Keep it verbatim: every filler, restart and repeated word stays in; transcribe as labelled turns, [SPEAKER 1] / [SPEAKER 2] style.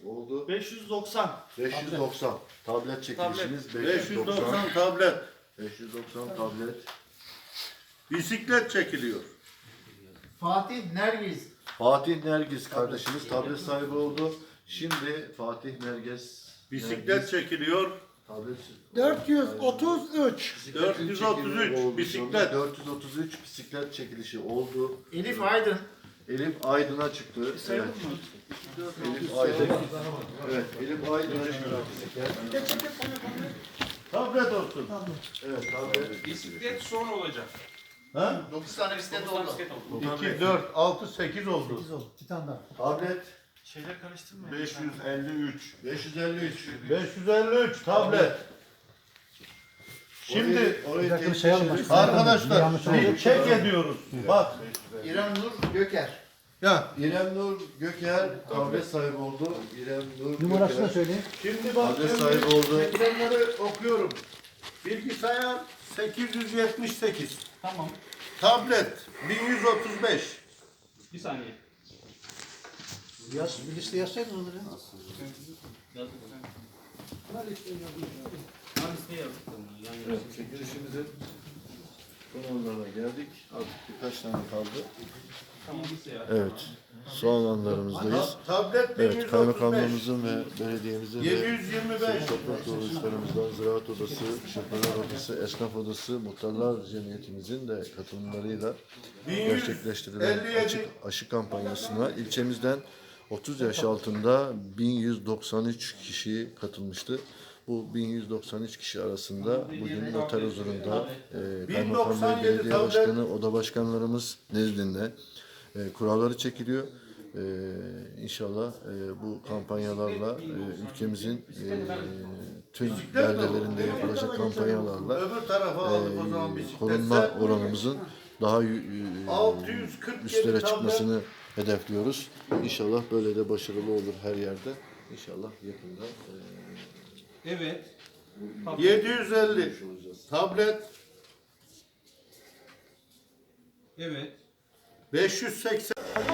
[SPEAKER 1] oldu.
[SPEAKER 2] beş yüz doksan.
[SPEAKER 1] beş yüz doksan. Tablet çekilişimiz
[SPEAKER 3] beş yüz doksan tablet.
[SPEAKER 1] beş yüz doksan tablet.
[SPEAKER 3] Bisiklet çekiliyor.
[SPEAKER 2] Fatih Nergiz.
[SPEAKER 1] Fatih Nergiz kardeşimiz tablet sahibi oldu. Şimdi Fatih Nergiz
[SPEAKER 3] Bisiklet
[SPEAKER 1] Nergiz,
[SPEAKER 3] çekiliyor.
[SPEAKER 1] tablet
[SPEAKER 4] dört yüz otuz üç.
[SPEAKER 3] dört yüz otuz üç
[SPEAKER 1] oldu.
[SPEAKER 3] bisiklet.
[SPEAKER 1] dört yüz otuz üç bisiklet çekilişi oldu.
[SPEAKER 2] Elif Aydın.
[SPEAKER 1] Elif Aydın'a çıktı. Evet. Elif Aydın. Evet, Elif Aydın'a çıktı bisiklet.
[SPEAKER 3] Tablet olsun.
[SPEAKER 1] Evet, tablet.
[SPEAKER 5] Bisiklet son olacak.
[SPEAKER 3] Ha?
[SPEAKER 2] dokuz tane bisiklet
[SPEAKER 5] Dokuz tane
[SPEAKER 2] oldu.
[SPEAKER 5] bisiklet oldu.
[SPEAKER 3] iki, dört, altı, sekiz oldu.
[SPEAKER 4] sekiz oldu. Bir tane daha.
[SPEAKER 1] Tablet
[SPEAKER 2] Şeyler karıştırmayın.
[SPEAKER 3] beş yüz elli üç.
[SPEAKER 1] beş yüz elli üç.
[SPEAKER 3] beş yüz elli üç tablet. Şimdi
[SPEAKER 1] Orayı- orayı
[SPEAKER 4] Bir dakika bir
[SPEAKER 1] tek
[SPEAKER 4] şey
[SPEAKER 1] kişi-
[SPEAKER 4] alın.
[SPEAKER 3] arkadaşlar
[SPEAKER 4] Yanlış oldu.
[SPEAKER 3] bir çek ediyoruz. Bak.
[SPEAKER 2] İrem Nur Göker.
[SPEAKER 3] Ya
[SPEAKER 1] İrem Nur Göker tablet sahibi oldu. İrem Nur
[SPEAKER 4] Numarasını da
[SPEAKER 1] Göker
[SPEAKER 4] söyleyin.
[SPEAKER 3] şimdi bak
[SPEAKER 1] tablet
[SPEAKER 3] şimdi
[SPEAKER 1] sahibi oldu.
[SPEAKER 3] ekranları okuyorum. Bilgisayar sekiz yüz yetmiş sekiz.
[SPEAKER 2] Tamam.
[SPEAKER 3] Tablet bin yüz otuz beş.
[SPEAKER 5] Bir saniye.
[SPEAKER 4] Yaz, bir liste yazsaydın onları.
[SPEAKER 5] Yazdık. Ben listeye yazdık. Yani
[SPEAKER 1] Evet, çekilişimizin son anlarına geldik. Artık birkaç tane kaldı.
[SPEAKER 5] tamam bilgisayar.
[SPEAKER 1] Evet, son anlarımızdayız.
[SPEAKER 3] Ta- Tablet bin
[SPEAKER 1] Evet,
[SPEAKER 3] yüz otuz beş.
[SPEAKER 1] kaymakamlığımızın ve belediyemizin
[SPEAKER 3] yedi
[SPEAKER 1] ve
[SPEAKER 3] yüz yirmi beş.
[SPEAKER 1] toprak kuruluşlarımızdan Ziraat Odası, Şoförler Odası, Esnaf Odası, Muhtarlar Cemiyetimizin de katılımlarıyla
[SPEAKER 3] bin yüz
[SPEAKER 1] gerçekleştirilen
[SPEAKER 3] elli yedi.
[SPEAKER 1] açık aşı kampanyasına ilçemizden otuz yaş altında bin yüz doksan üç kişi katılmıştı. Bu bin yüz doksan üç kişi arasında bugün noter huzurunda e, Kaymakam Bey, Belediye
[SPEAKER 3] tablet.
[SPEAKER 1] Başkanı, Oda Başkanlarımız nezdinde e, kuralları çekiliyor. E, inşallah e, bu kampanyalarla e, ülkemizin e, tüm beldelerinde yapılacak kampanyalarla
[SPEAKER 3] Öbür tarafa aldık o zaman
[SPEAKER 1] e,
[SPEAKER 3] bisikletse.
[SPEAKER 1] korunma oranımızın daha yü- e,
[SPEAKER 3] altı yüz kırk yedi
[SPEAKER 1] üstlere
[SPEAKER 3] tablet.
[SPEAKER 1] çıkmasını hedefliyoruz. İnşallah böyle de başarılı olur her yerde. İnşallah yakında e,
[SPEAKER 5] Evet.
[SPEAKER 3] yedi yüz elli
[SPEAKER 1] görmüş olacağız.
[SPEAKER 3] tablet
[SPEAKER 5] Evet.
[SPEAKER 3] beş yüz seksen